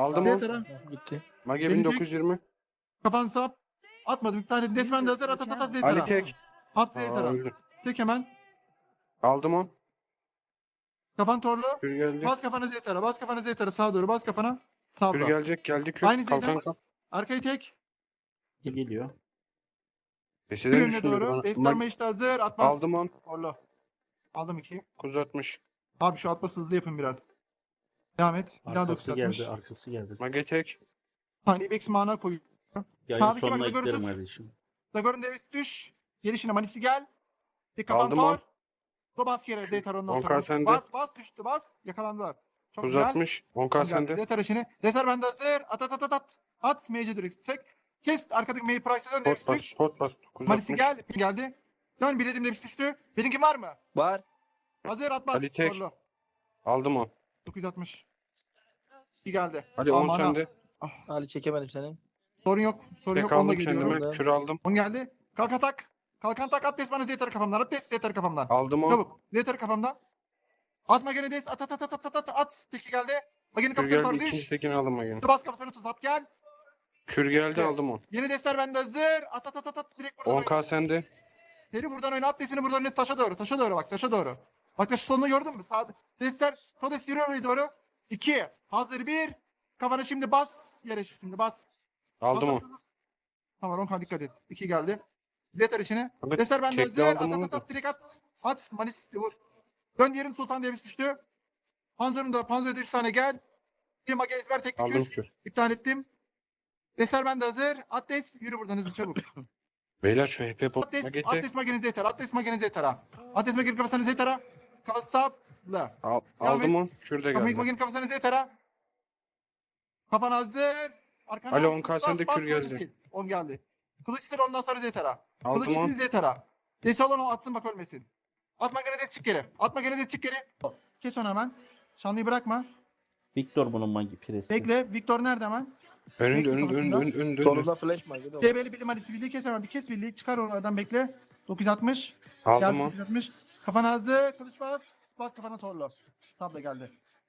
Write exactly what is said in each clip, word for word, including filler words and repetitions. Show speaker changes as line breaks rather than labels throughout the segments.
Aldım
Diğer
on.
taraf.
Gitti.
Mage
Beni
bin dokuz yüz yirmi.
Kafan sap. Atmadım. Bir tane desmen de hazır. At at at at
Ali
Zeytara.
tek.
At
Aa,
Zeytara.
öldü.
Tek hemen.
Aldım on.
Kafan torlu.
Kür geldi.
Bas kafana Zeytara. Bas kafana Zeytara. Sağa doğru. Bas kafana.
Kür
Sağda.
gelecek. Geldi kür.
Aynı
Kalkan
Zeydan.
kap.
Arkayı tek.
Geliyor.
Peşeden
Yönüne
düşündü
doğru.
bana.
Destarma
Mag-
işte hazır. Atmaz.
Aldım on.
Torlu. Aldım iki.
dokuz yüz altmış.
Abi şu atması hızlı yapın biraz. Devam et. Bir daha dokuz
Arkası
atmış.
geldi. Arkası geldi.
Mage tek.
Hani Ibex mana koy.
Yayın
Sağdaki
sonuna
bak, Zagor'u
eklerim
tut.
kardeşim.
Zagor'un devesi düş. Gelişine Manisi gel. Tek kafan
Aldım
tor.
on.
Do bas yere Zeytar ondan
On
sonra.
kar sende.
Bas bas düştü bas. Yakalandılar. Çok
dokuz yüz
güzel.
altmış. on k sende.
Zeytar işini. Deser bende hazır. At at at at at. At Mage'e direkt sek. Kes arkadaki Mage Price'e dön.
Pot
Devesi
bas.
düş.
Pot bas. dokuz yüz
Manisi
altmış.
gel. Geldi. Dön biledim devesi düştü. Benimki var mı?
Var.
Hazır at bas.
Ali tek.
Torlu.
Aldım on.
dokuz yüz altmış. İyi geldi.
Hadi on
Aman ha.
sende.
Ah,
Ali çekemedim seni.
sorun yok. Sorun
Tek
yok. Onunla
aldım
geliyorum.
kendime. Kür aldım.
On geldi. Kalk atak. Kalkan tak at des bana Zeytar'ı kafamdan. At des Zeytar'ı kafamdan.
Aldım on.
Çabuk. Zeytar'ı kafamdan. Atma gene des. At at at at at at at. Teki geldi. Magenin
Kür
kafasını
geldi.
tor
İkinci
düş.
tekini aldım Mage'nin.
Bas kafasını tuz hap gel.
Kür geldi
Evet.
aldım on.
Yeni desler bende hazır. At at at at at. Direkt buradan
on
oyna.
k sende.
Seri buradan oyna. At desini buradan oyna. Taşa doğru. Taşa doğru bak. Taşa doğru. Bak taşı sonunu gördün mü? Sağ desler. Todes yürüyor oraya doğru. İki. Hazır bir. Kafana şimdi bas. Yere şimdi bas.
Aldım
Bas,
on.
bas, bas. Tamam Ronkan dikkat et. İki geldi. Zetar içine.
Abi,
Deser bende
tekli
hazır. At
aldım
at
onu
at
da.
at. Direkt at. At. Manis vur. Dön diğerin Sultan Devis düştü. Panzer'ın da Panzer'da üç tane gel. Bir mage ezber tek
Aldım
kür.
kür.
İptal ettim. Deser bende hazır. Atles yürü buradan hızlı çabuk.
Beyler şu H P pot.
Atles,
Mage tek.
Atles magenize yeter. Atles magenize yeter ha. Atles magenin kafasını zetara. Kafası sapla.
Al,
Devam
aldım
et.
on. Kür de
Magenin
geldi.
magenin kafasını zetara. Kafan hazır. Arkana
Ali,
bas,
on K
bas,
sende
bas,
kür
kılıç
geldi.
sil. on geldi. Kılıç sil ondan sonra zetara.
Aldım
Kılıç
on.
sil zetara. Desi olan o atsın bak ölmesin. Atma gene des çık geri. Atma gene des çık geri. Kes onu hemen. Şanlıyı bırakma.
Victor bunun magi piresi.
Bekle. Victor nerede hemen?
Önünde
Bekle
önünde
kafasında.
önünde önünde. önünde.
Solunda flash magi de var.
D B'li bilim hadisi birliği kes hemen. Bir kes birliği. Çıkar onlardan bekle. dokuz yüz altmış.
Aldım
Geldi
on.
dokuz yüz altmış. Kafana hazır. Kılıç bas. Bas kafana torlu. Sabla geldi.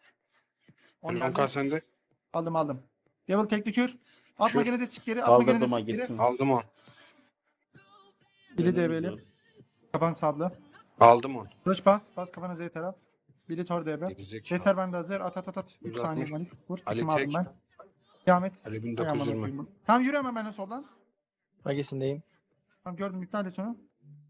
on
on
geldi.
k sende.
Aldım aldım. Devil tekli kür. Atma
Kür.
gene de çık geri. Atma gene de
Kaldırdı
çık geri.
magisini.
Aldım on.
Biri D B'li. Kafan sabla.
Aldım on.
Kılıç bas. Bas kafana Z taraf. Biri tor D B.
Gerizekalı.
Deser bende hazır. At at at at. üç
yüz
saniye
altmış.
malis. Vur.
Ali
Kim aldım
tek.
ben. Devam et.
Ali bin
Hay
dokuz yüz
amına
yirmi.
koyayım. Tamam yürü hemen benimle soldan.
Magisindeyim.
Tamam gördüm iptal et onu.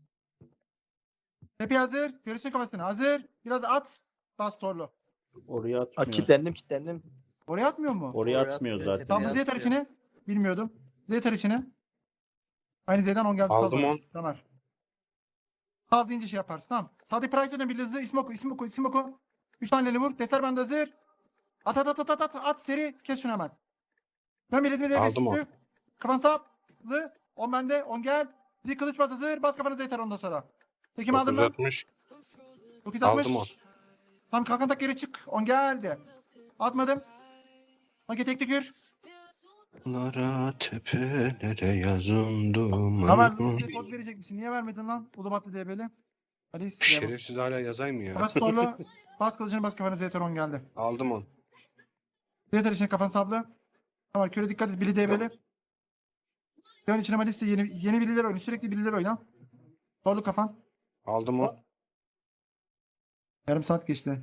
Tepe hazır. Fiorus'un kafasına hazır. Biraz at. Bas torlu.
Oraya
Aa,
atmıyor.
kilitlendim kilitlendim.
Oraya atmıyor mu?
Oraya
Oraya
atmıyor
atmıyor.
zaten.
Tamam bu
Ya,
Z tar
atıyor.
içine. Bilmiyordum. Z tar içine. Aynı Z'den on geldi.
Aldım
sal bana.
on.
Tamam. Sağ deyince şey yaparsın. Tamam. Sağdaki Price'den bir hızlı isim oku. isim oku. isim oku. Üç taneli vur. Deser bende hazır. At at at at at at. At seri. Kes şunu hemen. Dön biletimi de
Aldım on.
Kafan saplı. on bende. on gel. Bir kılıç bas hazır. Bas kafanı Z tar ondan sonra. Tekim aldım
dokuz yüz
ben.
altmış.
dokuz yüz altmış.
Aldım on.
Tamam kalkan tak geri çık. on geldi. Atmadım. Mage tek tükür.
Lara tepelere yazındım.
Ömer bize kod verecek misin? Niye vermedin lan? Ulubatlı D B'li. Hadi size.
Şerefsiz hala yazay mı ya?
Bas torlu. Bas kılıcını bas kafana Z tar on geldi.
Aldım on.
Z tar için kafan sablı. Tamam köre dikkat et. Bili D B'li. Dön içine Malis'te yeni, yeni bililer oyna. Sürekli bililer oyna. Torlu kafan.
Aldım on.
Yarım saat geçti.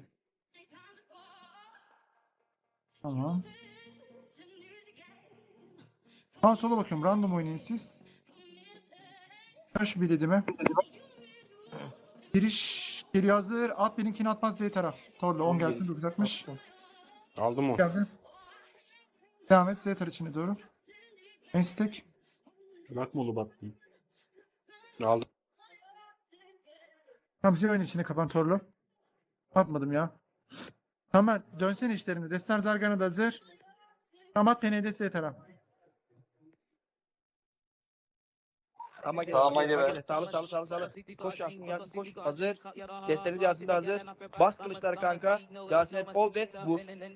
Tamam. Sağ sola bakıyorum. Random oynayın siz. Ben şu biledimi. Giriş geliyor hazır. At benimkini atmaz Z taraf. Torlu on gelsin. dokuz yüz altmış.
Aldım on.
Geldi. Devam et. Z tar içine doğru. Estek.
Bırakma ulu battı.
Aldım.
Tamam bize oyun içine kapan torlu. Atmadım ya. Tamam dönsene işlerine. Destan Zargan'a da hazır. Tamam at P N D Z taraf.
Ama gel.
Tamam,
Ama
hadi be.
gel. Sağlı sağlı sağlı sağlı. Koş Yasin Yasin koş. Hazır. Desteniz Yasin de hazır. Bas kılıçlar kanka. Yasin et ol des vur.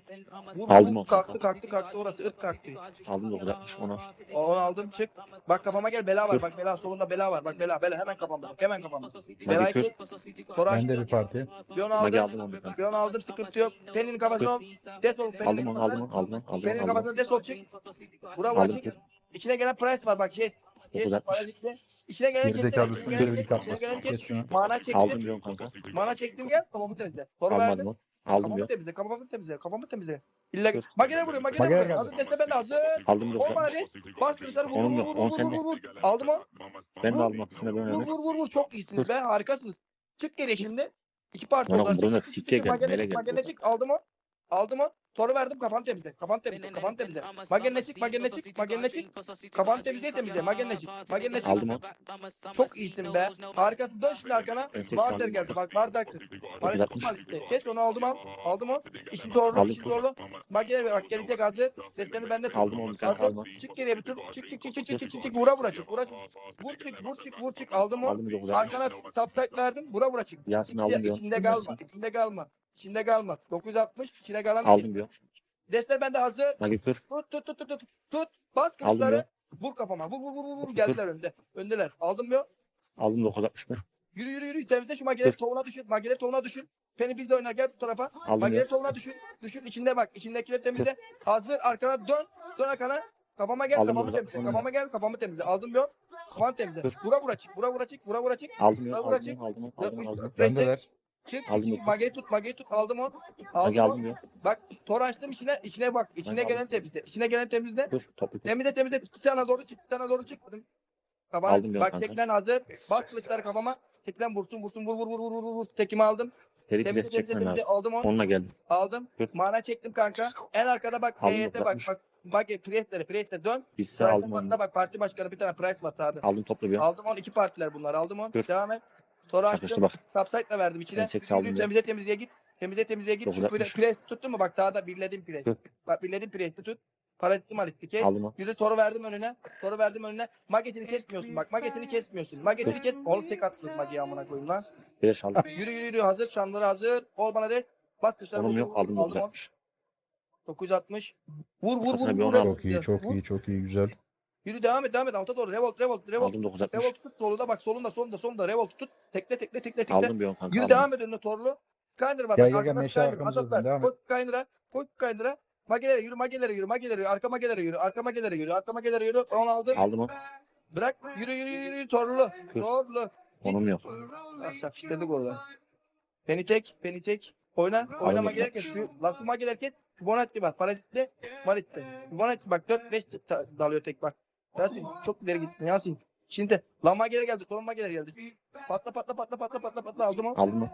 Vur
Aldım
vur.
o
Kalktı
kanka.
kalktı kalktı orası ırk kalktı.
Aldım dokuz altmış onu.
O- Onu aldım çık. Bak kafama gel bela var.
Dur.
Bak bela solunda bela var. Bak bela bela hemen kafamda. Bak hemen kafamda.
Magi
Belayı
kür.
kes. Sonra
Ben de
açtım.
bir parti.
Bir onu
Magi
aldım.
aldım onu kanka.
Bir onu aldım sıkıntı yok. Peninin kafasına ol. Des ol. Peninin
Aldım onu aldım
kafasına.
onu aldım onu aldım
Peninin
onu aldım.
kafasına des ol çık. Bura
Aldım
bura
kür.
çık. İçine gelen price var bak şey.
dokuz altmış.
Parazitli. İçine gelen kes.
Gerizekalı
İçine
üstüne
gelen
bir
kes.
kapma.
İçine gelen
Kes
kes.
şunu.
Mana
Aldım
çektim.
diyorum kanka.
Mana çektim gel. Kafamı temizle. Sonra
Almadım
verdim.
onu. Aldım
Kafamı
diyor.
temizle. Kafamı temizle. Kafamı temizle. İlla
Dur.
magene vuruyor. Magene
Magene
vuruyor.
geldi.
Hazır deste ben de hazır.
Aldım dokuz
On bana
altmış.
des. Bas kılıçları vur
Onun
vur
yok,
vur
on
vur
sende.
vur vur. Aldım o.
Ben de
Vur.
aldım hepsine
Vur
böyle.
vur vur vur. Çok iyisiniz be. Harikasınız. Çık geriye şimdi. İki parti
Lan
oldular.
oğlum, bunlar
Çık, çık, çık,
sikke
çık.
geldi,
Magene
nereye
çık.
geldi
Magene
bu?
çık. Aldım o. Aldım o. Soru verdim. Kafanı temizle. Kafanı temizle. Kafanı temizle. Magene çık. Magene çık. Magene çık. Kafanı temizle temizle. Magene çık. Magene çık.
Aldım o.
Çok iyisin be. Harikasın. Dön şimdi arkana.
Ben seksen
Barter
aldım.
geldi. Bak Barter. Paris
altmış.
tutmaz işte. Kes onu aldım al. Aldım o. İşin doğru.
Aldım.
İşin doğru. Bak gel bak gelecek hazır. Desteni bende tut.
Aldım onu kanka,
Hazır.
aldım.
Çık geriye bir tur. Çık çık çık çık çık çık çık çık. Vura vura çık. Vura çık. Vur çık vur çık vur çık. Aldım o.
Aldım dokuz altmış.
Arkana subtype verdim. Vura vura çık.
Yasin aldım diyor.
İçinde kalma. İçinde kalma. İçinde kalma. dokuz altmış. İçine kalan
Aldım diyor.
Destler bende hazır.
Magi kür.
Tut tut tut tut tut. Tut. Bas
Aldım
kılıçları.
ya.
Vur kafama. Vur vur vur vur. vur.
Dur.
Geldiler önde. Öndeler. Aldım ya.
Aldım dokuz altmış ben.
Yürü yürü yürü. Temizle şu mageleri
Dur.
tohumuna düşün. Mageleri tohumuna düşün. Penny bizle oyna gel bu tarafa.
Aldım
Mageleri
ya.
tohumuna düşün. Düşün içinde bak. İçindekileri temizle. Hazır arkana dön. Dön arkana. Kafama gel
Aldım
kafamı
burada.
temizle.
Sonra
Kafama gel kafamı temizle. Aldım ya. Kafanı temizle.
Dur.
Vura vura çık. Vura vura çık. Vura vura çık.
Aldım ya.
Vura
Aldım
vura
ya.
çık.
Aldım ya. Aldım aldım.
Bendeler.
Çık.
Aldım
çık.
yok.
Mageyi tut. Mageyi tut. Aldım onu.
Magi
Aldım onu.
aldım diyor.
Bak tor açtım içine. içine bak. İçine
Magi
gelen
aldım.
temizle. İçine gelen temizle.
Dur toplu kür.
Temizle temizle. Bir tane doğru çık. Bir tane doğru çık. Kafana.
Aldım ya
Bak
kanka.
teklen hazır. Bak kılıçları kafama. Teklen vursun vursun vur vur vur vur vur vur. Tekimi aldım.
Teri
Temizle
pres
temizle
çekmen
temizle.
lazım.
Aldım onu.
Onunla geldim.
Aldım.
Dur.
Mana çektim kanka. En arkada bak.
Aldım,
Heyete bak.
bırakmış.
Bak. Bak Priest'lere. Priest'e dön.
Bizse
Price'e
aldım
patla
onu.
bak. Parti başkanı bir tane Price var sağda.
Aldım toplu bir.
Aldım on. iki partiler bunlar. Aldım on.
Dur.
Devam et. Sonra
Çakıştı
açtım.
bak.
Subsite'la verdim içine.
Ben seksen aldım
Yürü,
ya.
temizle temizliğe git. Temizle temizliğe git.
Dokuz
Şu
altmış.
Priest tuttun mu? Bak sağda birledim Priest.
Dur.
Bak birledim Priest'i tut. Parazitli malitli kes.
Aldım o.
Yürü toru verdim önüne. Toru verdim önüne. Magesini kesmiyorsun bak. Magesini kesmiyorsun. Magesini kes. Oğlum tek atsın Mage'yi amına koyayım lan.
Beş aldım.
Yürü yürü yürü hazır. Şanları hazır. Ol bana des. Bas kışları.
Onum
vur,
yok.
vur,
Aldım
vur.
dokuz
on.
altmış.
dokuz altmış. Vur vur vur.
Kafasına bir
vur,
on
vur.
aldım.
Çok iyi, çok
Vur.
iyi, çok iyi, güzel.
Yürü devam et devam et. Alta doğru. Revolt revolt revolt.
Aldım dokuz altmış.
Revolt tut. Solunda bak. Solunda solunda solunda. Revolt tut. Tekle tekle tekle tekle.
Aldım bir on kanka.
Yürü
Aldım.
devam et önüne torlu. Skyner var.
Gel,
bak,
gel, gel,
arkada
meşe
Skyner,
arkamızda
Azatlar.
devam et.
Koş Skyner'a. Koş Skyner'a. Magelere yürü, magelere yürü, magelere yürü, arka magelere yürü, arka magelere yürü, arka magelere yürü. Onu aldım.
Aldım o.
Bırak. Yürü yürü yürü yürü torlu.
Dur.
Torlu.
Onum yok.
Bak işledik orada. Beni tek, beni tek. Oyna. Oynama
Aldım.
gelirken şu lakuma gelirken Fibonacci var. Parazitli. Malitli. Fibonacci bak dört beş dalıyor tek bak. Yasin çok ileri gittin Yasin. Şimdi lama geri geldi. Torunma geri geldi. Patla patla patla patla patla patla aldım o.
Aldım o.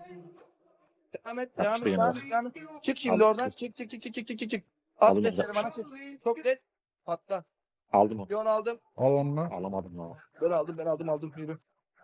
Devam et,
Bak
devam
işte
et,
yana
devam et, devam et. Çık şimdi
Aldım.
oradan. Çık, çık, çık, çık, çık, çık, çık, çık. At
Aldım
desleri
uzatmış.
bana kes. Çok des. Patla.
Aldım o.
Bir onu aldım.
Al onu.
Alamadım lan.
Ben aldım, ben aldım, aldım. Yürü.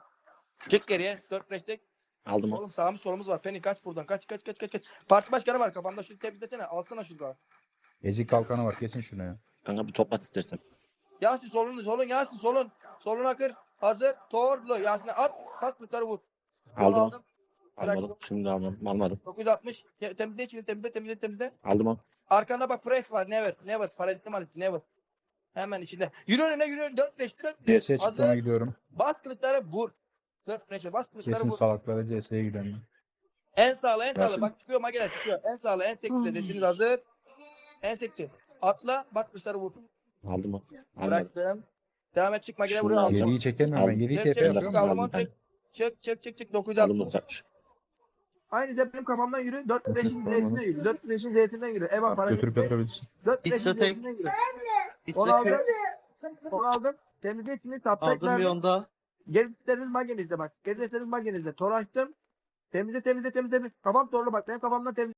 Çık geriye. Dört beşlik.
Aldım o.
Oğlum sağımız solumuz var. Penny kaç buradan. Kaç, kaç, kaç, kaç, kaç. Parti başkanı var kafamda. Şunu temizlesene. Alsana şunu.
Ezik kalkanı var, kesin şunu ya.
Kanka bir toplat istersen.
Yasin solun, solun, Yasin solun. Solun akır. Hazır. Torlu. Yasin'e at. Pas tutarı vur. Bir onu
Aldım o.
aldım. Bıraktım.
Almadım. Şimdi almadım. Almadım.
dokuz yüz altmış. Te- Temizle içini. Temizle, temizle, temizle.
Aldım o.
Arkanda bak press var. Never. Never. Paralitli malitli. Never. Hemen içinde. Yürü önüne yürü. dört beş dört beş.
C S çıktığına gidiyorum.
Bas kılıçları vur. dört beşe bas kılıçları
Kesin
vur.
salaklara C S'ye gidelim.
En sağlı en sağlı.
Yasin.
Bak çıkıyor mageler çıkıyor. En sağlı en sekti. Desiniz hazır. En sekti. Atla bak kılıçları vur.
Aldım o. Almadım.
Bıraktım. Devam et çık mageler
Şimdi
vuruyor.
alacağım.
Yediği çekemiyorum ben.
Aldım.
Yediği
Çek
T
çek
P
çek
yapıyorum.
yapıyorum.
aldım
Aldım.
onu çek. Çık çık çık çık dokuz yüz
Aldım
altmış.
dokuz altmış.
Aynı zep benim kafamdan yürü. dört beşin Z'sinden yürü. dört beşin Z'sinden yürü. Eva para
Götürüp
gitti.
götürebilirsin.
dört beşin
İstatek.
Z'sinden yürü. Onu aldım. Onu aldım. Temizle içini taptak
Aldım bir
verdim.
onda.
Gerisleriniz magenizde bak. Gerisleriniz magenizde. Tor açtım. Temizle temizle temizle. Kafam torlu bak. Benim kafamdan temizle.